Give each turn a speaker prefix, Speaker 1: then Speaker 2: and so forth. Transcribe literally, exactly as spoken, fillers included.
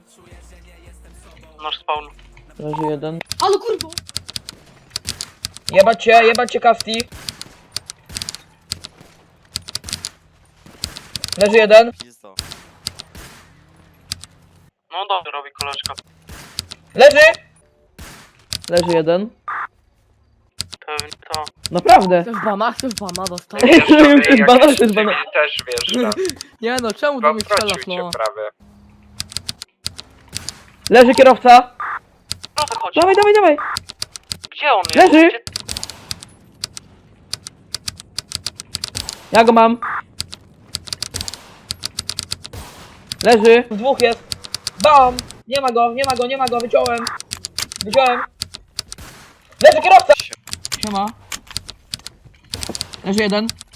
Speaker 1: Nasz spawn.
Speaker 2: Leży jeden.
Speaker 3: Ale kurwa!
Speaker 2: Jebać cię, jebać cię Kasti. Leży jeden.
Speaker 4: Pizdo.
Speaker 1: No dobrze robi koleżka.
Speaker 2: Leży! Leży jeden.
Speaker 1: Pewnie to.
Speaker 2: Naprawdę.
Speaker 3: Chcesz bana? Chcesz bana dostać?
Speaker 2: Chcesz bana, chcesz bana.
Speaker 5: Też wiesz,
Speaker 3: Nie no, czemu do mnie strzelasz, no?
Speaker 5: prawie.
Speaker 2: Leży kierowca.
Speaker 1: No to chodź.
Speaker 2: Dawaj, dawaj, dawaj.
Speaker 1: Gdzie on jest?
Speaker 2: Leży.
Speaker 1: Gdzie...
Speaker 2: Ja go mam. Leży. Dwóch jest. Bam! Nie ma go, nie ma go, nie ma go, wyciąłem. Wyciąłem. Leży kierowca! Siema. Leży jeden.